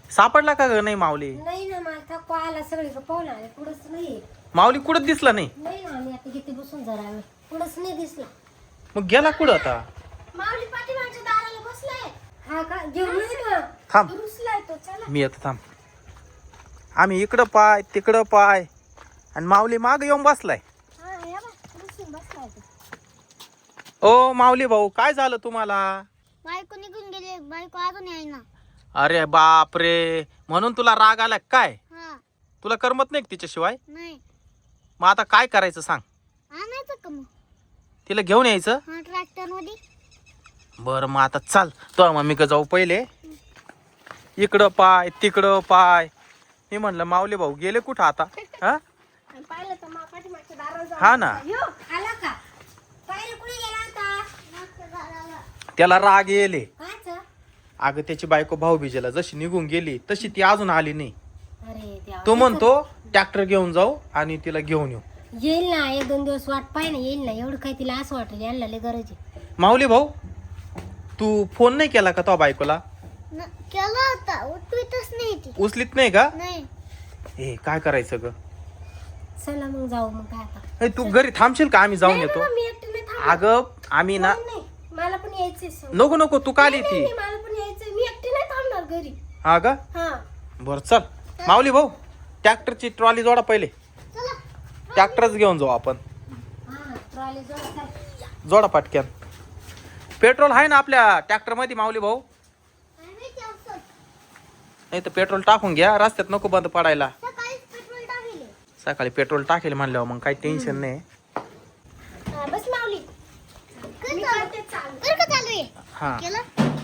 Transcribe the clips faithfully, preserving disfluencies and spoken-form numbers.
सापडला का ग? नाही माऊली. नाही ना, मला थकवा आला, सगळी पाहून आले, पुढंच नाही. माऊली कुठं दिसला नाही? नाही ना, आम्ही आता किती बसून जरा वेळ पुढंच नाही दिसला. मग गेला कुठं आता? माऊली पाठीमागच्या दाराला बसलाय. हा का? घेऊन ये ना. थांब, रुसलाय तो. चला. मी येतो थांब. आम्ही इकडं पाय तिकडं पाय आणि माऊली माग येऊन बसलाय. हा, या बा, रुसून बसलाय तो. ओ माऊली भाऊ, काय झालं तुम्हाला? बायको निघून गेली, बायको अजून याय ना. अरे बाप रे, म्हणून तुला राग आला काय? हा. तुला करमत नाही का तिच्याशिवाय? नाही. मग आता काय करायचं सांग? आणायचं का मग? तिला घेऊन यायचं? हा, ट्रॅक्टर मध्ये. बरं मग आता चाल, तो मम्मी का जाऊ पहिले. इकडं पाय तिकडं पाय. मी म्हणलं माऊली भाऊ गेले कुठं आता? हा पाहिलं तर मा पाठीमागच्या दाराला जाऊन हा ना. बसला. यो, आला का? पाहिलं कुठे गेला होता? त्याला राग येले. कायचं? अगं त्याची बायको भाऊबीजेला जशी निघून गेली तशी ती अजून आली नाही. अरे देवा. तो म्हणतो ट्रॅक्टर घेऊन जाऊ आणि तिला घेऊन येऊ. येईल ना, एक दोन दिवस वाट पाय ना, येईल ना. एवढं काय तिला असं वाटेल यांना लय गरज आहे. माऊली भाऊ, तू फोन नाही केला का तो बायकोला? न- केला होता, उठवीतच नाही ती. उचलीत नाही का? नाही. ए काय करायचं ग? चला मग जाऊ. मग काय आता? ए, तू घरी थांबशील का? आम्ही जाऊन नाही येतो. ना, मी एकटी नाही थांबणार. अगं आम्ही ना. नाही, नाही, मला पण यायचंय संग. नको नको, तू काल नाही, नाही, येते. नाही, मला पण यायचंय. मी एकटी नाही थांबणार घरी. हा का? हा. बर चल. माऊली भाऊ, ट्रॅक्टरची ट्रॉली जोडा पहिले. चला. ट्रॅक्टरच घेऊन जाऊ आपण. हा, ट्रॉली जोडा, चल. जोडा पटक्यान. पेट्रोल आहे ना आपल्या ट्रॅक्टर मध्ये माऊली भाऊ? काय माहिती असं. नाही तर पेट्रोल टाकून घ्या, रस्त्यात नको बंद पडायला. सकाळीच पेट्रोल टाकले. सकाळी पेट्रोल टाकेल म्हणल्यावर मग काही टेन्शन नाही. हा, बस माऊली. मी करते चालू. बरं का चालू आहे? हा केलं?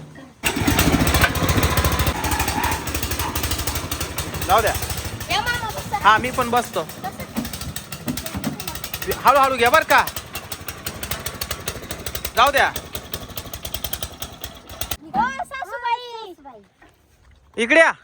जाऊ द्या. या मामा, बसा. हा मी पण बसतो. हळूहळू घ्या बर का. जाऊ द्या. ओ, सासूबाई. इकडे या.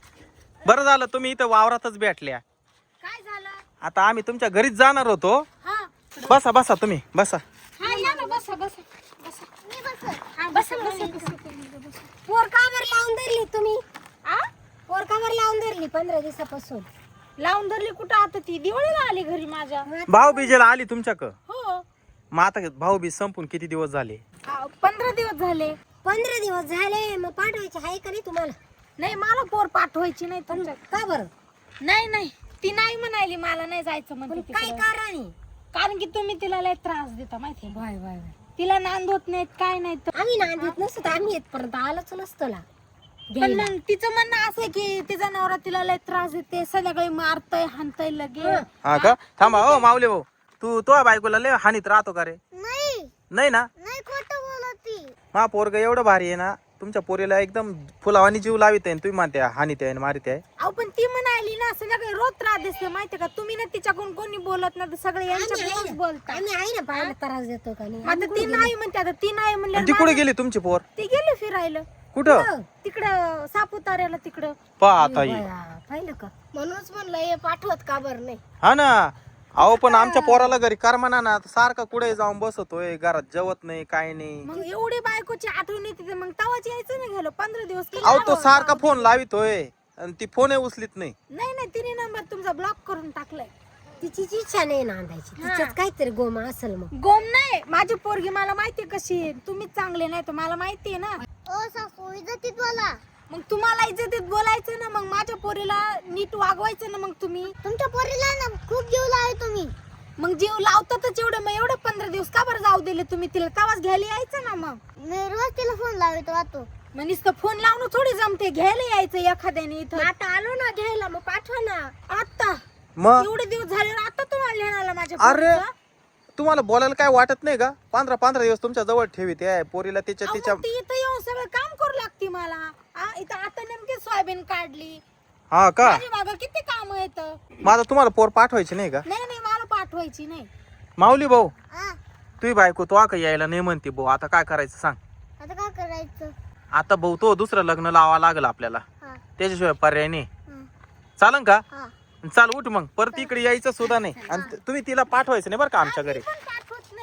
बरं झालं तुम्ही इथं वावरातच भेटल्या. काय झालं? आता आम्ही तुमच्या घरीच जाणार होतो. हा, बसा बसा तुम्ही बसा. हा, या ना, बसा, बसा, बसा. मी बसत. हा, बसा, बसा, बसा. पोर का बरं लावून धरली तुम्ही? आ? पोर का बरं लावून धरली पंधरा दिवसापासून? लावून धरली कुठं? आता ती दिवाळीला आली घरी माझ्या. भाऊ बीजेला आली तुमच्याक? हो. मग आता भाऊ बीज संपून किती दिवस झाले? आ, पंधरा दिवस झाले. पंधरा दिवस झाले, मग पाठवायचे आहे का नाही तुम्हाला? नाही, मला पोर पाठवायची नाही तुमच्या. का बरं? नाही नाही, ती नाही म्हणाली मला नाही जायचं पण म्हणते काय तिकडं. कारण आहे? कारण की तुम्ही तिला लय त्रास देता माहितीये. Why why why. तिला नांद होत नाहीत, काय नाही तर. आम्ही नांदीत नसतो तर आम्ही येतपर्यंत आलोच नसतो ना. पण मग तिचं म्हणणं असं आहे की तिचा नवरा तिला लय त्रास देते, संध्याकाळी मारतय हाणतय लगे. हा का? थांबा हो माऊली भाऊ, तू तो बायकोला लय हानीत राहतो का रे? नाही. नाही ना. नाही, खोटं बोलत ती. मा पोरग एवढं भारी आहे ना, तुमच्या पोरीला एकदम फुलावानी जीव लावित आहे. तुम्ही म्हणते हानीत आहे मारित आहे. अहो पण ती म्हणाली ना संध्याकाळी रोज त्रास देते माहितीये का. तुम्ही ना तिच्याकडून कोणी बोलत ना तर सगळे यांच्याकडूनच बोलता. आम्ही आहे ना, पाहायला त्रास देतो का नाही? आता ती नाही म्हणते, आता ती नाही म्हणले. आणि ती कुठे गेली तुमची पोर? ती गेली फिरायला कुठं? तिकडं सापुताऱ्याला तिकडं. पा आता ही. बया, पाहिलं का? म्हणूनच म्हणलं हे पाठवत का बरं नाही. हा ना. अहो पण आमच्या पोराला घरी करमना ना, सारखा कुठे जाऊन बसतोय, घरात जेवत नाही काय नाही. मग एवढी बायकोची आठवण येते मग तवाच यायचं नाही गेलो पंधरा दिवस केले. अहो तो सारखा फोन लावितोय आणि ती फोन उचलीत नाही. नाही नाही, तिने नंबर तुमचा ब्लॉक करून टाकलाय. तिचीच इच्छा नाही नांदायची, तिच्यात काहीतरी गोमा असेल. मग गोम नाही, माझी पोरगी मला माहितीये कशी आहे. तुम्हीच चांगले नाही तर मला माहितीये ना. ओ सासू, इज्जतीत बोला. मग तुम्हाला इज्जतीत बोलायचं ना, मग माझ्या पोरीला नीट वागवायचं ना. मग तुम्ही तुमच्या पोरीला ना खूप जीव लावे तुम्ही. मग जीव लावतातच एवढं, मग एवढे पंधरा दिवस का बरं जाऊ दिले तुम्ही? तिला तवाच घ्यायला यायचं ना. मग मी रोज तिला फोन लावतो राहतो. मग नुसतं फोन लावणं थोडी जमते, घ्यायला यायचं एखाद्याने इथं. आता आलो ना घ्यायला, मग पाठवा ना. आता मग एवढे दिवस झाले ना, आता तुम्हाला लिहायला माझ्या अरे पोरीचं? तुम्हाला बोलायला काय वाटत नाही का? पंधरा पंधरा दिवस तुमच्या जवळ ठेवीत आहे पोरीला. तिच्या अहो, तिच्या मग ती इथं येऊन सगळं काम करू लागते मला. आ, इथं आता नेमकी सोयाबीन काढली. हा का? माझी मागं किती काम येत. माझा तुम्हाला पोर पाठवायची नाही का? नाही नाही, मला पाठवायची नाही. माऊली भाऊ, हा, तुझी बायको तो का यायला नाही म्हणते भाऊ, आता काय करायचं सांग? आता काय करायचं? आता भाऊ तो दुसरं लग्न लावा लागल आपल्याला, हा, त्याच्याशिवाय पर्याय नाही. हा, चालन का? हा. चाल उठ मग, परत इकडे यायचं सुद्धा नाही. आणि तुम्ही तिला पाठवायचं नाही बरं का आमच्या घरी. पण पाठवत नाही. बाई पोरगी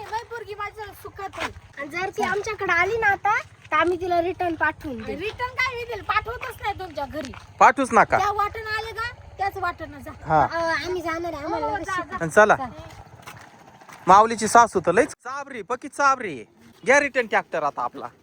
पोरगी माझं सुखात आहे. आणि जर ती आमच्याकडे आली ना आता तर आम्ही तिला रिटर्न पाठवून देऊ. रिटर्न काय मी दिलं पाठवतच नाही तुमच्या घरी. पाठवूच नका. त्या वाटण आले का त्याच वाटण जा. हा अं, आम्ही जाणार आहे आम्हाला हो, लगेच जा, शिकवा. आणि चला. माऊलीची सासू तर लईच चाबरी पकी चाबरी. घ्या रिटर्न ट्रॅक्टर आता आपला.